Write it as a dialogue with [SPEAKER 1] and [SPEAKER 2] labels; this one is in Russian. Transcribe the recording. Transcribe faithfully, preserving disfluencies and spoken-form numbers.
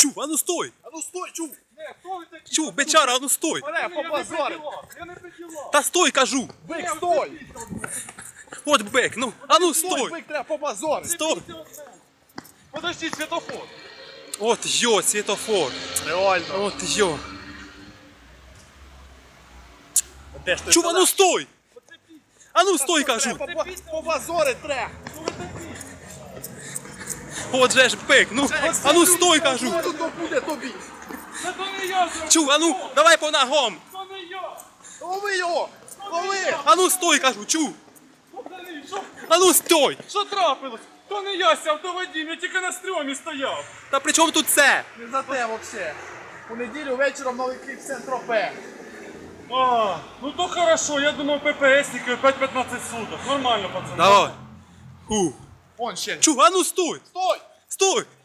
[SPEAKER 1] Чу, а ну стой!
[SPEAKER 2] А ну стой, чув!
[SPEAKER 3] Не, хто ви такі?
[SPEAKER 1] Чу, бичара, а ну стой!
[SPEAKER 2] Бере,
[SPEAKER 3] Я не
[SPEAKER 2] побазори!
[SPEAKER 3] приділа, я не приділа.
[SPEAKER 1] Та стой, кажу!
[SPEAKER 2] Бик, стой!
[SPEAKER 1] От бек, ну, а ну
[SPEAKER 2] Стой,
[SPEAKER 1] стой!
[SPEAKER 2] бик, треба побазори!
[SPEAKER 1] Стой!
[SPEAKER 3] Подожди, світофор.
[SPEAKER 1] От йо, світофор!
[SPEAKER 2] Реально!
[SPEAKER 1] От йо!
[SPEAKER 2] Де ж ти
[SPEAKER 1] Чу, а ну стой! А ну стой, кажу!
[SPEAKER 2] Треба побазори треба!
[SPEAKER 1] От же ж бек, ну, а ну стой, кажу!
[SPEAKER 2] Що то буде тобі?
[SPEAKER 3] Це то не я зробив.
[SPEAKER 1] Чу, а ну, давай по ногам!
[SPEAKER 3] То не я.
[SPEAKER 2] Лови його! Лови!
[SPEAKER 1] А ну стой, кажу, чу!
[SPEAKER 3] Пацани, що?
[SPEAKER 1] А ну стой!
[SPEAKER 3] Що трапилось? То не я сяв, то Вадим, я тільки на стрьомі стояв.
[SPEAKER 1] Та при чому тут це?
[SPEAKER 2] Не за те взагалі! У неділю вечором новий кліп Сент-Тропе.
[SPEAKER 3] А, ну то хорошо, я думав ППСники п'ять п'ятнадцять суток. Нормально, пацани.
[SPEAKER 1] Давай! Фу!
[SPEAKER 2] Вон ще.
[SPEAKER 1] Чу, а ну стой!
[SPEAKER 2] Стой!
[SPEAKER 1] Стой!